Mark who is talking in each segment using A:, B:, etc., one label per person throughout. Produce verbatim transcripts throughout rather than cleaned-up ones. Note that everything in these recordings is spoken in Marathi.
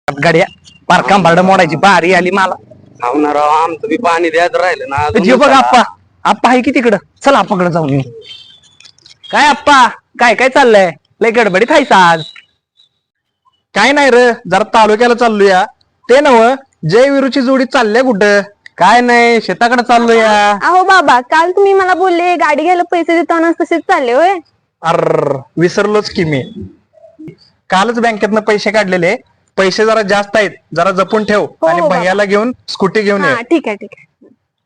A: गाड्या बारका भाड मोडायची बारी आली मला.
B: ना राव आमचं बी पाणी द्यायचं राहिलं ना अजून
A: जे बघ
B: चला.
A: आप्पा आप्पा आहे की तिकडं, चल आप्पाकडे जाऊन येऊ. काय आप्पा काय काय चाललंय? लय गडबडीत आहेस आज. काय नाही रे, जरा तालुक्याला चाललोया. ते नव जय विरूची जोडी चालल्या कुठं? काय नाही, शेताकडे चाललोया.
C: अहो बाबा, काल तुम्ही मला बोलले गाडी घ्यायला पैसे देताना तसेच चालले होय.
A: अर विसरलोच की मी. कालच बँकेतनं पैसे काढलेले. पैसे जरा जास्त आहेत, जरा जपून ठेव.
C: हो,
A: आणि
C: बाबा.
A: भैयाला घेऊन स्कूटी घेऊन ये.
C: हा ठीक आहे ठीक आहे.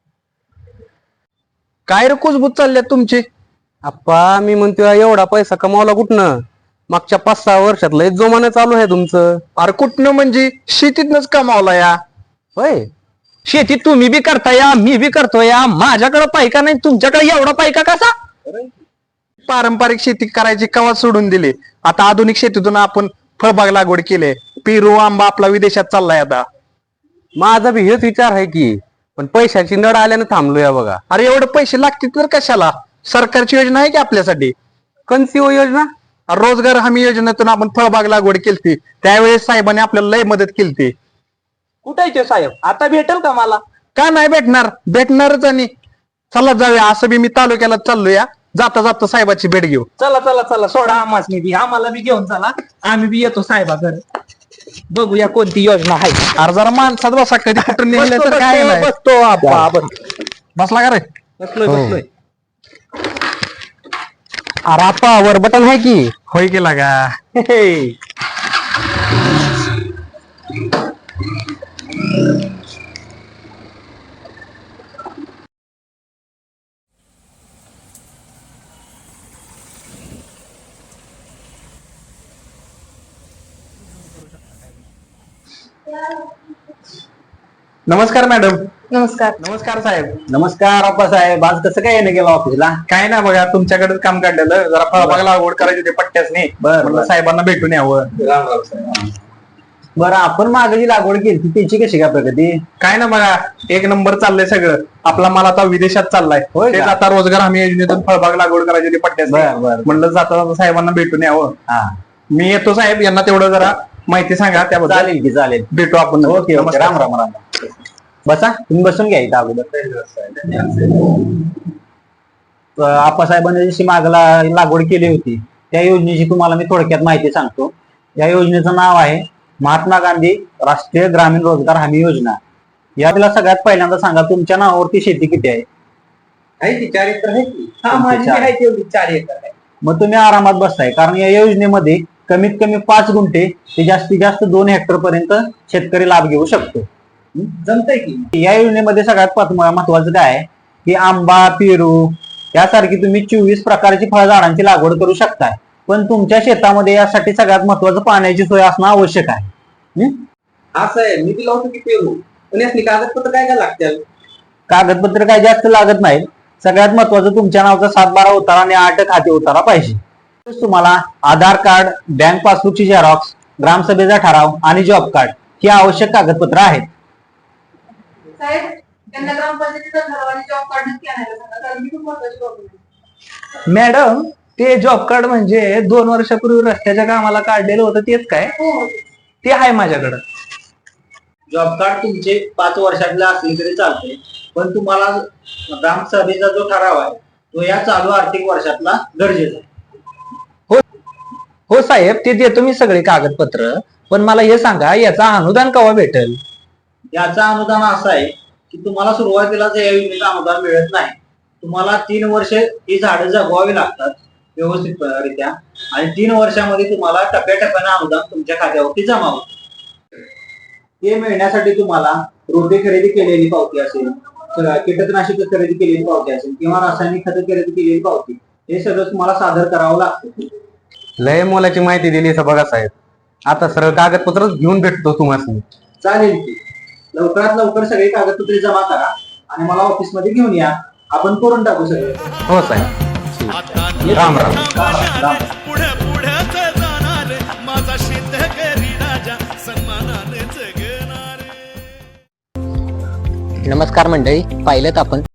A: काय रे कुजबूज चालल्यात तुमची?
B: आप्पा मी म्हणतोय एवढा पैसा कमावला कुठनं? मागच्या पाच सहा वर्षात लय जोमानं चालू आहे तुमचं.
A: अरे कुठनं म्हणजे शेतीतनच कमावला या.
B: होय
A: शेती तुम्ही बी करताय, मी बी करतोय. माझ्याकडे पैका नाही, तुमच्याकडे एवढा पैका कसा? पारंपरिक शेती करायची कवा सोडून दिली. आता आधुनिक शेतीतून आपण फळबाग लागवड केले. पेरू आंबा आपला विदेशात चाललाय आता.
B: माझा बी हेच विचार आहे की, पण पैशाची नड आल्यानं थांबलोया बघा.
A: अरे एवढे पैसे लागतील तर कशाला? सरकारची योजना आहे की आपल्यासाठी.
B: कोणती हो योजना?
A: रोजगार हमी योजनेतून आपण फळबाग लागवड केली. त्यावेळेस साहेबांनी आपल्याला लय मदत केली.
D: कुठे साहेब? आता भेटेल का मला?
A: का नाही भेटणार? भेटणारच. आणि चला जाऊया. असं बी मी तालुक्याला चाललोया. जाता जाता साहेबाची भेट घेऊ.
D: चला चला चला, सोडा आम्हाला बी, आम्हाला बी घेऊन चला. आम्ही बी येतो साहेबाकडे. बघूया कोणती योजना आहे.
A: अरे जरा माणसात बसा, कधी कुठून निघलं तर काय नाही.
D: बसतो आप्पा, बस.
A: बसला का रे?
D: बसलोय बसलोय.
B: अरे आप्पा वर बटन आहे की.
A: होय केला का?
D: हे.
A: नमस्कार मॅडम.
C: नमस्कार.
A: नमस्कार साहेब.
B: नमस्कार आप्पा साहेब, आज कसं काय येणं गेला ऑफिसला?
A: काय ना बघा, तुमच्याकडेच काम काढलेलं. जरा फळबाग लागवड करायची होती पट्ट्यासनी.
B: बरं,
A: म्हणलं
B: बरं.
A: साहेबांना भेटून यावं.
B: बरं, आपण मागे जी लागवड केली त्याची कशी काय प्रगती?
A: काय ना बघा, एक नंबर चाललंय सगळं. आपला माल आता विदेशात चाललाय.
B: होय का?
A: तेच आता रोजगार हमी योजनेतून फळबाग लागवड करायची होती
B: बरं,
A: पट्ट्यासनी.
B: बरं.
A: म्हणलं जाता जाता साहेबांना भेटून यावं.
B: हा
A: मी येतो साहेब, यांना तेवढं जरा माहिती सांगा त्याबद्दल.
B: चालेल की चालेल.
A: भेटू आपण.
B: ओके ओके,
A: नमस्कार.
B: राम राम राम. बसा, तुम्ही बसून घ्या इथं अगोदर. आप्पासाहेबांनी जशी मागला लागवड केली होती त्या योजनेची तुम्हाला मी थोडक्यात माहिती सांगतो. या योजनेचं नाव आहे महात्मा गांधी राष्ट्रीय ग्रामीण रोजगार हमी योजना. याला सगळ्यात पहिल्यांदा सांगा, तुमच्या नावावरती शेती किती आहे?
D: आहे की चार एकर आहे की? हा माझी बी आहे तेवढी चार एकर आहे.
B: मग तुम्ही आरामात बसताय, कारण या योजनेमध्ये कमीत कमी पाच गुंठे ते जास्तीत जास्त दोन हेक्टर पर्यंत शेतकरी लाभ घेऊ शकतो.
D: जमतंय की?
B: या योजनेमध्ये सगळ्यात पाच- महत्वाचं काय आहे की आंबा, पेरू यासारखी तुम्ही चोवीस प्रकारची फळझाडांची लागवड करू शकताय. पण तुमच्या शेतामध्ये यासाठी सगळ्यात महत्वाचं पाण्याची सोय असणं आवश्यक आहे. हं?
D: असं आहे, मी बी लावतो की पेरू. पण यासनी कागदपत्र काय काय लागतील?
B: कागदपत्र काय जास्त लागत नाही. सगळ्यात महत्वाचं तुमच्या नावाचा सात बारा उतारा आणि आठ खाते उतारा पाहिजे. तुम्हाला आधार कार्ड, बँक पासबुकची झेरॉक्स, ग्रामसभेचा ठराव आणि जॉब कार्ड ही आवश्यक कागदपत्र आहेत.
E: साहेब, त्यांना ग्रामपंचायतीचा ठराव आणि जॉब कार्ड नक्की आणायला सांगा, कारण मी खूप महत्वाची डॉक्युमेंट.
D: मॅडम, ते जॉब कार्ड म्हणजे दोन वर्षापूर्वी रस्त्याच्या कामाला काढलेलं होतं तेच काय?
E: हो.
D: ते आहे माझ्याकडं.
B: जॉब कार्ड तुमचे पाच वर्षातले असले तरी चालते, पण तुम्हाला ग्रामसभेचा जो ठराव आहे तो या चालू आर्थिक वर्षातला गरजेचा आहे.
D: हो साहेब, ते देतो मी सगळे कागदपत्र. पण मला हे सांगा, याचा अनुदान केव्हा भेटेल?
B: याचं अनुदान असं आहे की तुम्हाला सुरुवातीला या योजनेचं अनुदान मिळत नाही. तुम्हाला तीन वर्ष ही झाडं जगवावी लागतात व्यवस्थितरित्या, आणि तीन वर्षामध्ये तुम्हाला टप्प्याटप्प्यानं अनुदान तुमच्या खात्यावरती जमा होतं. ते मिळण्यासाठी तुम्हाला रोपे खरेदी केलेली पावती असेल, कीटकनाशक खरेदी केलेली पावती असेल किंवा रासायनिक खत खरेदी केलेली पावती, हे सगळं तुम्हाला सादर करावं लागतं.
A: लय मोलाची माहिती दिली बघा साहेब. आता सरळ कागदपत्र घेऊन भेटतो तुम्हाला.
B: चालेल की, लवकरात लवकर सगळे कागदपत्रे जमा करा आणि मला ऑफिसमध्ये घेऊन या. आपण करून टाकू सगळे.
A: हो साहेब. राम राम.
F: पुढे पुढेच जाणार माझा शेतकरी राजा सन्मानाने जगणार.
G: नमस्कार मंडळी, पाहिलं आपण